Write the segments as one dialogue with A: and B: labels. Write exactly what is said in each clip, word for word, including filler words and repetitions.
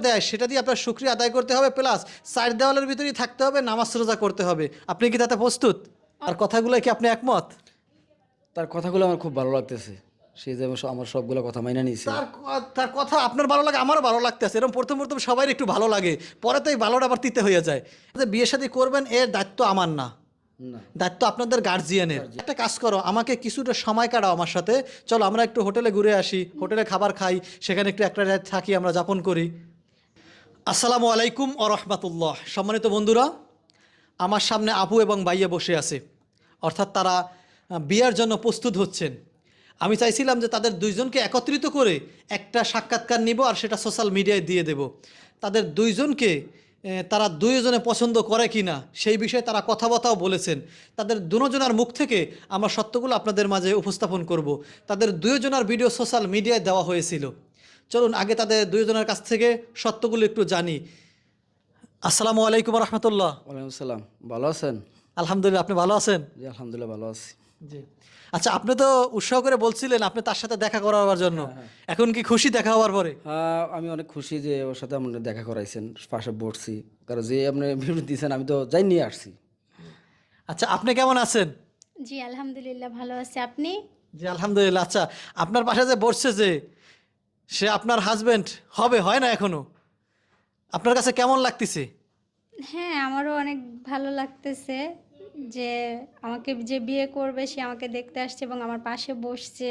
A: দেয় সেটা দিয়ে আপনার শুকরিয়া আদায় করতে হবে, প্লাস চার দেওয়ালের ভিতরেই থাকতে হবে, নামাজ রোজা করতে হবে। আপনি কি তাতে প্রস্তুত? আর কথাগুলো কি আপনি একমত?
B: তার কথাগুলো আমার খুব ভালো লাগতেছে। সে যে আমার আমার সবগুলো কথা মাইনা নিয়েছে।
A: তার ক- তার কথা আপনার ভালো লাগে, আমারও ভালো লাগতেছে। এরকম প্রথম প্রথম সবাই একটু ভালো লাগে, পরে তো এই ভালোটা আবার তিতে হয়ে যায়। যে বিয়ে শাদী করবেন এর দায়িত্ব আমার না,
B: না,
A: দায়িত্ব আপনাদের গার্জিয়ানের। একটা কাজ করো, আমাকে কিছুটা সময় কাটাও আমার সাথে, চলো আমরা একটু হোটেলে ঘুরে আসি, হোটেলে খাবার খাই, সেখানে একটু একটা রাত থাকি, আমরা যাপন করি। আসসালামু আলাইকুম ও রহমতুল্লাহ। সম্মানিত বন্ধুরা, আমার সামনে আপু এবং ভাইয়া বসে আছে, অর্থাৎ তারা আহ, বিয়ের জন্য প্রস্তুত হচ্ছেন। আমি চাইছিলাম যে তাদের দুইজনকে একত্রিত করে একটা সাক্ষাৎকার নিব আর সেটা সোশ্যাল মিডিয়ায় দিয়ে দেব। তাদের দুইজনকে আহ, তারা দুইজনে পছন্দ করে কি না সেই বিষয়ে তারা কথাবার্তাও বলেছেন। তাদের দুজনার মুখ থেকে আমরা সত্যগুলো আপনাদের মাঝে উপস্থাপন করব। তাদের দুইজনার ভিডিও সোশ্যাল মিডিয়ায় দেওয়া হয়েছিল। চলুন আগে তাদের দুইজনের কাছ থেকে সত্যগুলো একটু জানি। আসসালামু আলাইকুম রহমতুল্লাহ।
B: ওয়ালাইকুম আসসালাম। ভালো আছেন?
A: আলহামদুলিল্লাহ, আপনি ভালো আছেন?
B: জি আলহামদুলিল্লাহ ভালো আছি।
A: জি। আচ্ছা, আপনি তো উৎসাহ করে বলছিলেন আপনি তার সাথে দেখা করাবার জন্য, এখন কি খুশি দেখা হওয়ার পরে?
B: হ্যাঁ, আমি অনেক খুশি যে ওর সাথে আপনি দেখা করাইছেন, পাশে বসছি। কারণ যে আপনি বিরতি দিয়েছেন আমি তো যাই নিয়ে আসছি।
A: আচ্ছা, আপনি কেমন আছেন?
C: জি আলহামদুলিল্লাহ ভালো আছি। আপনি?
A: জি আলহামদুলিল্লাহ। আচ্ছা, আপনার পাশে যে বসছে যে, সে আপনার হাজবেন্ড হবে, হয় না এখনো, আপনার কাছে কেমন লাগতেছে?
C: হ্যাঁ, আমারও অনেক ভালো লাগতেছে যে আমাকে যে বিয়ে করবে সে আমাকে দেখতে আসছে এবং আমার পাশে বসছে।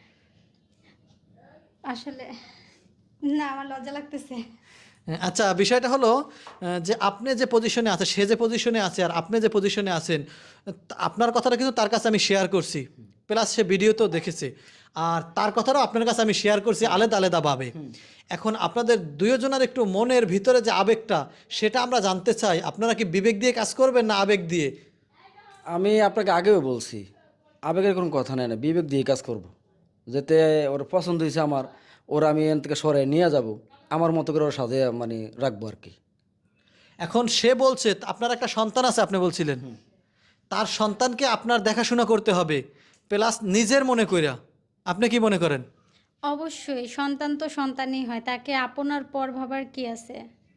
C: আসলে না, আমার লজ্জা লাগতেছে।
A: আচ্ছা, বিষয়টা হলো আহ, যে আপনি যে পজিশনে আছে, সে যে পজিশনে আছে আর আপনি যে পজিশনে আছেন, তা আপনার কথাটা কিন্তু তার কাছে আমি শেয়ার করছি, প্লাস সে ভিডিওতেও দেখেছে, আর তার কথাটাও আপনার কাছে আমি শেয়ার করছি আলাদা আলাদাভাবে। এখন আপনাদের দুইজনের একটু মনের ভিতরে যে আবেগটা, সেটা আমরা জানতে চাই। আপনারা কি বিবেক দিয়ে কাজ করবেন না আবেগ দিয়ে?
B: আমি আপনাকে আগেও বলছি, আবেগের কোনো কথা নেই, না বিবেক দিয়ে কাজ করব। যাতে ওর পছন্দ হয়েছে আমার, ওর আমি এখান থেকে সরাই নিয়ে যাব, আমার মতো করে ওর সাথে মানে রাখবো আর কি।
A: এখন সে বলছে আপনার একটা সন্তান আছে, আপনি বলছিলেন তার সন্তানকে আপনার দেখাশোনা করতে হবে, প্লাস নিজের মনে কইরা। আপনি কি মনে করেন?
C: অবশ্যই সন্তান তো সন্তানই হয়, তাকে আপনার পর ভাবার কি আছে?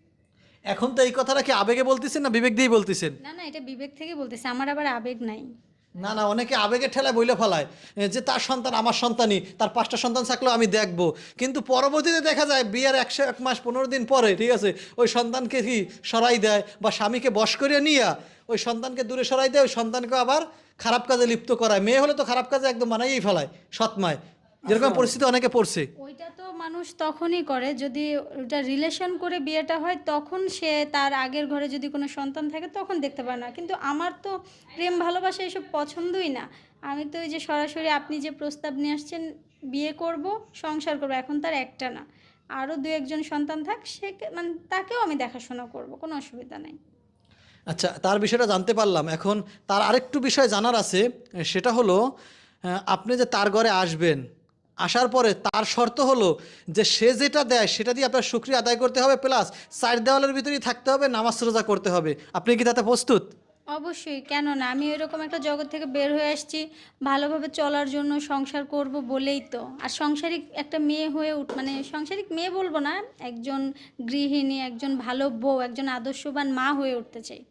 A: এখন তো এই কথাটা কি আবেগে বলতেছেন না বিবেক দিয়েই বলতেছেন?
C: না না, এটা বিবেক থেকে বলতেছে, আমার আবার আবেগ নাই।
A: না না, অনেকে আবেগের ঠেলায় বইলে ফেলায় এ, যে তার সন্তান আমার সন্তানই, তার পাঁচটা সন্তান থাকলেও আমি দেখবো, কিন্তু পরবর্তীতে দেখা যায় বিয়ের একশো এক মাস পনেরো দিন পরে, ঠিক আছে, ওই সন্তানকে কি সরাই দেয় বা স্বামীকে বশ করে নিয়ে ওই সন্তানকে দূরে সরাই দেয়, ওই সন্তানকে আবার খারাপ কাজে লিপ্ত করায়। মেয়ে হলে তো খারাপ কাজে একদম মানাইয়েই ফেলায়, সৎমায়, যেরকম পরিস্থিতি অনেকে পড়ছে।
C: ওইটা তো মানুষ তখনই করে যদি ওটা রিলেশন করে বিয়েটা হয়, তখন সে তার আগের ঘরে যদি কোনো সন্তান থাকে তখন দেখতে পারে না। কিন্তু আমার তো প্রেম ভালোবাসা এসব পছন্দই না। আমি তো ওই যে সরাসরি আপনি যে প্রস্তাব নিয়ে আসছেন, বিয়ে করব, সংসার করব, এখন তার একটা না, আরও দু একজন সন্তান থাক, সে মানে তাকেও আমি দেখাশোনা করব, কোনো অসুবিধা নেই।
A: আচ্ছা, তার বিষয়টা জানতে পারলাম। এখন তার আরেকটু বিষয় জানার আছে, সেটা হলো আহ, আপনি যে তার ঘরে আসবেন, আসার পরে তার শর্ত হলো যে সে যেটা দেয় সেটা দিয়ে আপনার শুকরিয়া আদায় করতে হবে, প্লাস চার দেওয়ালের ভিতরেই থাকতে হবে, নামাজ রোজা করতে হবে। আপনি কি তাতে প্রস্তুত?
C: অবশ্যই, কেন না? আমি এরকম একটা জগৎ থেকে বের হয়ে আসছি ভালোভাবে চলার জন্য, সংসার করব বলেই তো। আর সাংসারিক একটা মেয়ে হয়ে উঠ মানে সাংসারিক মেয়ে বলবো না, একজন গৃহিণী, একজন ভালো বউ, একজন আদর্শবান মা হয়ে উঠতে চাই।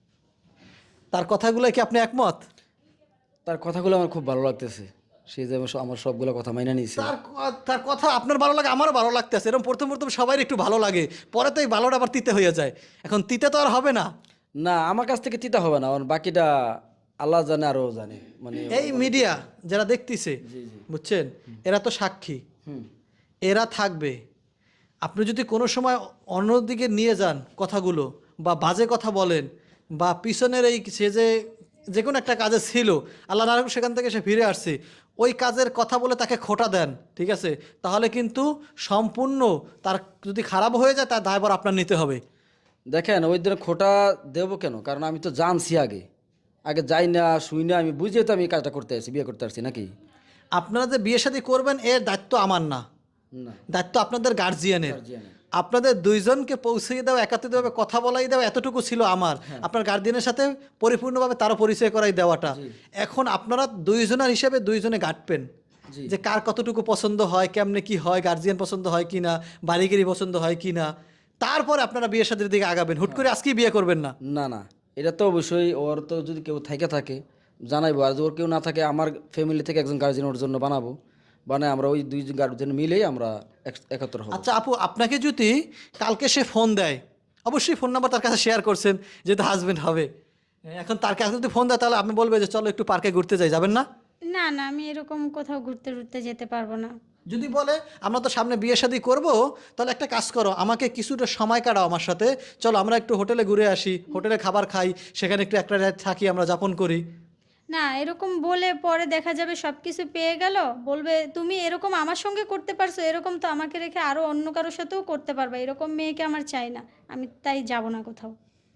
A: তার কথাগুলো কি আপনি একমত?
B: তার কথাগুলো আমার খুব ভালো লাগতেছে। সে যে আমার আমার সবগুলো কথা মাইনা নিয়েছে।
A: তার ক- তার কথা আপনার ভালো লাগে, আমারও ভালো লাগতেছে। এরকম প্রথম প্রথম সবাই একটু ভালো লাগে, পরে তো এই ভালোটা আবার তিতে হয়ে যায়। এখন তিতে তো আর হবে না।
B: না, আমার কাছ থেকে তিতা হবে না, আর বাকিটা আল্লাহ জানে, আরও জানে মানে।
A: এই মিডিয়া যারা দেখতেছে, বুঝছেন, এরা তো সাক্ষী,
B: হুম।
A: এরা থাকবে। আপনি যদি কোনো সময় অন্যদিকে নিয়ে যান কথাগুলো, বা বাজে কথা বলেন, বা পিছনের এই সে যে যে কোনো একটা কাজে ছিল, আল্লাহ নারায়ণ সেখান থেকে সে ফিরে আসছে, ওই কাজের কথা বলে তাকে খোটা দেন, ঠিক আছে, তাহলে কিন্তু সম্পূর্ণ তার যদি খারাপ হয়ে যায় তার দায়ভার আপনার নিতে হবে।
B: দেখেন, ওই দিনে খোটা দেবো কেন? কারণ আমি তো জানছি আগে, আগে যাই না শুই না, আমি বুঝিয়ে তো আমি এই কাজটা করতে আসছি, বিয়ে করতে আসছি নাকি।
A: আপনারা যে বিয়ে শাদী করবেন এর দায়িত্ব আমার না,
B: না,
A: দায়িত্ব আপনাদের গার্জিয়ানের।
B: গার্জিয়ানের।
A: আপনাদের দুইজনকে পৌঁছিয়ে দেওয়া, একাত্রিতভাবে কথা বলাই দেওয়া, এতটুকু ছিল আমার। আপনার গার্জিয়ানের সাথে পরিপূর্ণভাবে তারও পরিচয় করাই দেওয়াটা। এখন আপনারা দুইজনের হিসেবে দুইজনে গাঁটবেন
B: জি।
A: যে কার কতটুকু পছন্দ হয়, কেমনে কি হয়, গার্জিয়ান পছন্দ হয় কি না, বাড়িগিরি পছন্দ হয় কি না, তারপরে আপনারা বিয়ে শাদীর দিকে আগাবেন, হুট করে আজকেই বিয়ে করবেন না।
B: না না, এটা তো অবশ্যই ওর তো যদি কেউ থাকে থাকে জানাইবো, আর যদি ওর কেউ না থাকে আমার ফ্যামিলি থেকে একজন গার্জিয়ান ওর জন্য বানাবো, বানায় আমরা ওই দুই গার্জিয়ান মিলেই আমরা এক- একাত্তর হব।
A: আচ্ছা আপু, আপনাকে যদি কালকে সে ফোন দেয়, অবশ্যই ফোন নাম্বার তার কাছে শেয়ার করছেন যেহেতু হাজবেন্ড হবে, এখন তার কাছে যদি ফোন দেয় তাহলে আপনি বলবে যে চলো একটু পার্কে ঘুরতে যাই, যাবেন না?
C: না না, আমি এরকম কোথাও ঘুরতে ঘুরতে যেতে পারবো না।
A: যদি বলে আমরা তো সামনে বিয়ে শাদী করবো, তাহলে একটা কাজ করো, আমাকে কিছুটা সময় কাটাও আমার সাথে, চলো আমরা একটু হোটেলে ঘুরে আসি, হোটেলে খাবার খাই, সেখানে একটু একটা রাত থাকি, আমরা যাপন করি।
C: না, এরকম বলে পরে দেখা যাবে সব কিছু পেয়ে গেল, বলবে তুমি এরকম আমার সঙ্গে করতে পারছো, এরকম তো আমাকে রেখে আরও অন্য কারোর সাথেও করতে পারবে, এরকম মেয়েকে আমার চাই না, আমি তাই যাব না কোথাও।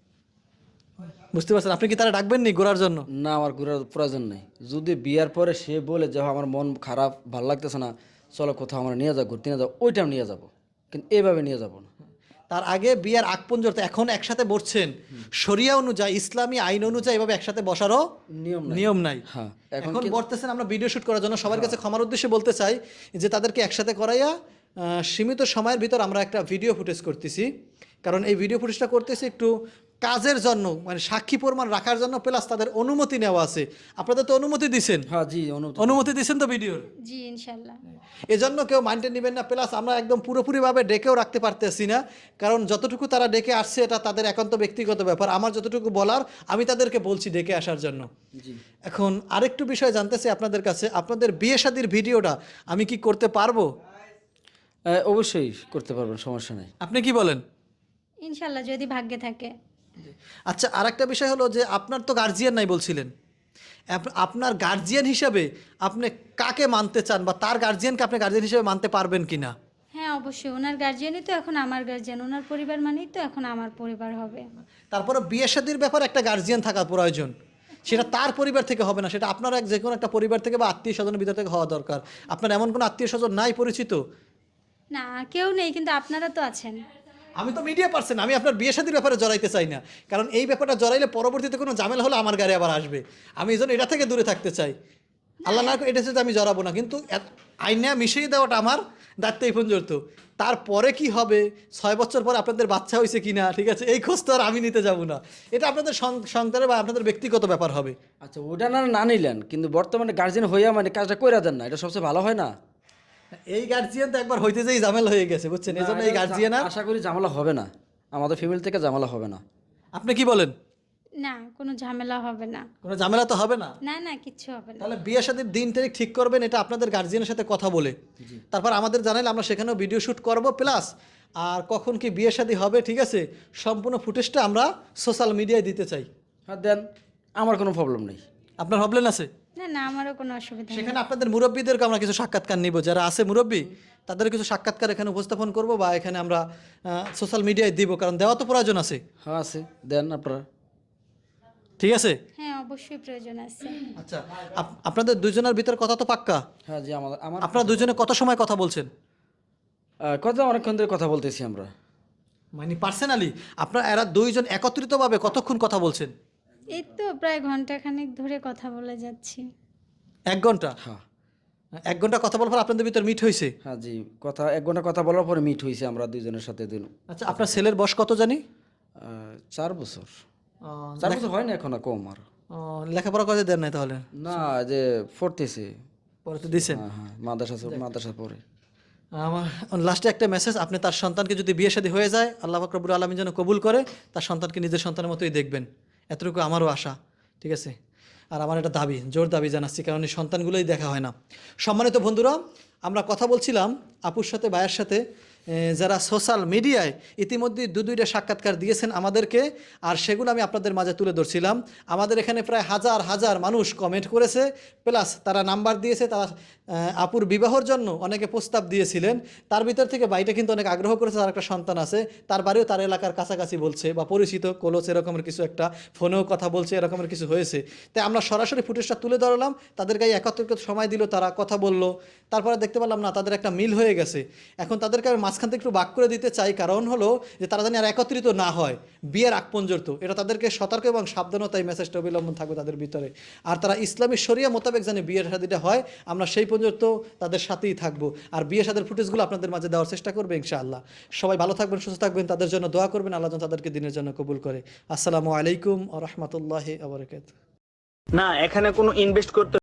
A: বুঝতে পারছেন? আপনি কি তারা ডাকবেন নি ঘোরার জন্য?
B: না, আমার ঘোরার প্রয়োজন নেই। যদি বিয়ার পরে সে বলে যে আমার মন খারাপ, ভালো লাগতেছে না, চলো কোথাও আমরা নিয়ে যাবো, ঘুরতে নিয়ে যাবো, ওইটা আমি নিয়ে যাবো, কিন্তু এইভাবে নিয়ে যাবো না।
A: তার আগে বিয়ের আগ পর্যন্ত এখন একসাথে বসছেন, শরিয়া অনুযায়ী, ইসলামী আইন অনুযায়ী এভাবে একসাথে বসারও
B: নিয়ম নাই।
A: নিয়ম নাই।
B: হ্যাঁ,
A: এখন
B: এখন
A: বলতেছেন আমরা ভিডিও শুট করার জন্য, সবার কাছে ক্ষমার উদ্দেশ্যে বলতে চাই যে তাদেরকে একসাথে করাইয়া আহ, সীমিত সময়ের ভিতর আমরা একটা ভিডিও ফুটেজ করতেছি, কারণ এই ভিডিও ফুটেজটা করতেছি একটু কাজের জন্য, মানে সাক্ষী প্রমাণ রাখার জন্য, প্লাস তাদের অনুমতি নেওয়া আছে। আপনাদের তো অনুমতি দিছেন,
B: হ্যাঁ জি, অনুমতি।
A: অনুমতি দিছেন তো ভিডিওর,
C: জি ইনশাল্লাহ।
A: এজন্য কেউ মাইন্ডে নেবেন না। প্লাস আমরা একদম পুরোপুরিভাবে ডেকেও রাখতে পারতেছি না, কারণ যতটুকু তারা ডেকে আসছে এটা তাদের একান্ত ব্যক্তিগত ব্যাপার। আমার যতটুকু বলার আমি তাদেরকে বলছি ডেকে আসার জন্য।
B: জি।
A: এখন আরেকটু বিষয় জানতে চাই আপনাদের কাছে, আপনাদের বিয়ে শাদীর ভিডিওটা আমি কি করতে পারবো?
B: হ্যাঁ, অবশ্যই করতে পারবেন, সমস্যা নেই।
A: আপনি কি বলেন?
C: ইনশাল্লাহ যদি ভাগ্যে থাকে।
A: আচ্ছা, আরেকটা বিষয় হলো যে আপনার তো গার্জিয়ান নাই বলছিলেন, আপ- আপনার গার্জিয়ান হিসাবে আপনি কাকে মানতে চান, বা তার গার্জিয়ানকে আপনি গার্জিয়ান হিসেবে মানতে পারবেন কি না?
C: হ্যাঁ অবশ্যই, ওনার গার্জিয়ানই তো এখন আমার গার্জিয়ান, ওনার পরিবার মানেই তো এখন আমার পরিবার হবে।
A: তারপরে বিয়ে শাদীর ব্যাপারে একটা গার্জিয়ান থাকা প্রয়োজন, সেটা তার পরিবার থেকে হবে না, সেটা আপনার এক যে কোনো একটা পরিবার থেকে বা আত্মীয় স্বজনের ভিতর থেকে হওয়া দরকার। আপনার এমন কোনো আত্মীয় স্বজন নাই পরিচিত?
C: না কেউ নেই, কিন্তু আপনারা তো আছেন।
A: আমি তো মিডিয়া পার্সন, আমি আপনার বিয়ে শাদীর ব্যাপারে জড়াইতে চাই না, কারণ এই ব্যাপারটা জড়াইলে পরবর্তীতে কোনো ঝামেলা হলে আমার গাড়ি আবার আসবে। আমি এই জন্য এটা থেকে দূরে থাকতে চাই। আল্লাহ না করে এটা সাথে আমি জড়াবো না, কিন্তু এত- আইনে মিশিয়ে দেওয়াটা আমার দায়িত্ব এই পর্যন্ত। তারপরে কি হবে, ছয় বছর পর আপনাদের বাচ্চা হয়েছে কিনা, ঠিক আছে, এই খোঁজ তো আর আমি নিতে যাব না, এটা আপনাদের সং- সন্তানের বা আপনাদের ব্যক্তিগত ব্যাপার হবে।
B: আচ্ছা, ওটা না না নিলেন, কিন্তু বর্তমানে গার্জিয়ান হইয়া মানে কাজটা কইরা দেন না, এটা সবচেয়ে ভালো হয় না।
A: এই গার্জিয়ান তো একবার হইতে যেই ঝামেলা হয়ে গেছে, বুঝছেন, এই জন্য এই গার্জিয়ান আর
B: আশা করি ঝামেলা হবে না, আমাদের ফ্যামিলি থেকে ঝামেলা হবে না।
A: আপনি কি বলেন?
C: না কোনো ঝামেলা হবে না।
A: কোনো ঝামেলা তো হবে না?
C: না না কিচ্ছু হবে না।
A: তাহলে বিয়ে শাদীর দিন তারিখ ঠিক করবেন, এটা আপনাদের গার্জিয়ানের সাথে কথা বলে, তারপর আমাদের জানাইলে আমরা সেখানেও ভিডিও শ্যুট করব, প্লাস আর কখন কি বিয়ে শাদী হবে, ঠিক আছে, সম্পূর্ণ ফুটেজটা আমরা সোশ্যাল মিডিয়ায় দিতে চাই।
B: হ্যাঁ দেন, আমার কোনো প্রবলেম নেই।
A: আপনার প্রবলেম আছে?
C: না না, আমারও কোনো অসুবিধা নেই।
A: সেখানে আপনাদের মুরব্বীদেরকে আমরা কিছু সাক্ষাৎকার নিব, যারা আছে মুরব্বী তাদের কিছু সাক্ষাৎকার এখানে উপস্থাপন করব, বা এখানে আমরা সোশ্যাল মিডিয়ায় দিব, কারণ দেওয়া তো প্রয়োজন আছে।
B: হ্যাঁ আছে, দেন আপনারা।
A: ঠিক আছে?
C: হ্যাঁ অবশ্যই প্রয়োজন আছে।
A: আচ্ছা, আপ- আপনাদের দুজনের ভিতর কথা তো পাক্কা?
B: হ্যাঁ জি, আমাদের আমার
A: আপনারা দুজনে কত সময় কথা বলছেন?
B: আহ, কথা অনেকক্ষণ ধরে কথা বলতেছি আমরা।
A: মানে পার্সোনালি আপনারা এরা দুইজন একত্রিতভাবে কতক্ষণ কথা বলছেন?
C: এই তো প্রায় ঘন্টাখানেক ধরে কথা বলে যাচ্ছি।
A: এক ঘন্টা?
B: হ্যাঁ
A: এক ঘন্টা কথা বলার পর আপনাদের ভিতর মিট হয়েছে?
B: হ্যাঁ জি, কথা এক ঘন্টা কথা বলার পরে মিট হয়েছে আমরা দুইজনের সাথে দিন।
A: আচ্ছা, আপনার ছেলের বয়স কত জানি?
B: আহ, চার বছর।
A: আহ,
B: চার বছর হয় না এখন, কম আর।
A: আহ, লেখাপড়া করে দেন নাই তাহলে?
B: না, যে পড়তেছে।
A: পরে তো দিচ্ছেন।
B: হ্যাঁ হ্যাঁ, মাদ্রাসা মাদ্রাসা পড়ে।
A: আমার লাস্টে একটা মেসেজ, আপনি তার সন্তানকে যদি বিয়ে শাদী হয়ে যায়, আল্লাহ পাক রব্বুল আলামিন যেন কবুল করে, তার সন্তানকে নিজের সন্তানের মতোই দেখবেন, এতটুকু আমারও আশা। ঠিক আছে? আর আমার এটা দাবি, জোর দাবি জানাচ্ছি, কারণ এই সন্তানগুলোই দেখা হয় না। সম্মানিত বন্ধুরা, আমরা কথা বলছিলাম আপুর সাথে, ভাইয়ের সাথে, এ, যারা সোশ্যাল মিডিয়ায় ইতিমধ্যে দু দুইটা সাক্ষাৎকার দিয়েছেন আমাদেরকে, আর সেগুলো আমি আপনাদের মাঝে তুলে ধরছিলাম। আমাদের এখানে প্রায় হাজার হাজার মানুষ কমেন্ট করেছে, প্লাস তারা নাম্বার দিয়েছে, তারা আহ, আপুর বিবাহর জন্য অনেকে প্রস্তাব দিয়েছিলেন। তার ভিতর থেকে বাইটা কিন্তু অনেক আগ্রহ করেছে, তার একটা সন্তান আছে, তার বাড়িও তার এলাকার কাছাকাছি বলছে, বা পরিচিত কলোচ এরকমের কিছু একটা, ফোনেও কথা বলছে, এরকমের কিছু হয়েছে। তাই আমরা সরাসরি ফুটেজটা তুলে ধরলাম, তাদের গায়ে একত্রিত সময় দিল, তারা কথা বলল, তারপরে দেখতে পেলাম না তাদের একটা মিল হয়ে গেছে। এখন তাদেরকে আমি মাঝখান থেকে একটু বাক করে দিতে চাই, কারণ হলো যে তারা জানি আর একত্রিত না হয় বিয়ের আগ পর্যন্ত। এটা তাদেরকে সতর্ক এবং সাবধানতা এই মেসেজটা অবলম্বন থাকবে তাদের ভিতরে। আর তারা ইসলামী শরিয়া মোতাবেক জানি বিয়ের শাদীটা হয়, আমরা সেই পর্যন্ত তাদের সাথেই থাকবো। আর বিয়ে শাদীর ফুটেজগুলো আপনাদের মাঝে দেওয়ার চেষ্টা করবে ইনশাআল্লাহ। সবাই ভালো থাকবেন, সুস্থ থাকবেন, তাদের জন্য দোয়া করবেন, আল্লাহ যেন তাদেরকে দিনের জন্য কবুল করে। আসসালামু আলাইকুম ওয়া রাহমাতুল্লাহি ওয়া বারাকাতুহু।
D: না, এখানে কোনো ইনভেস্ট করতে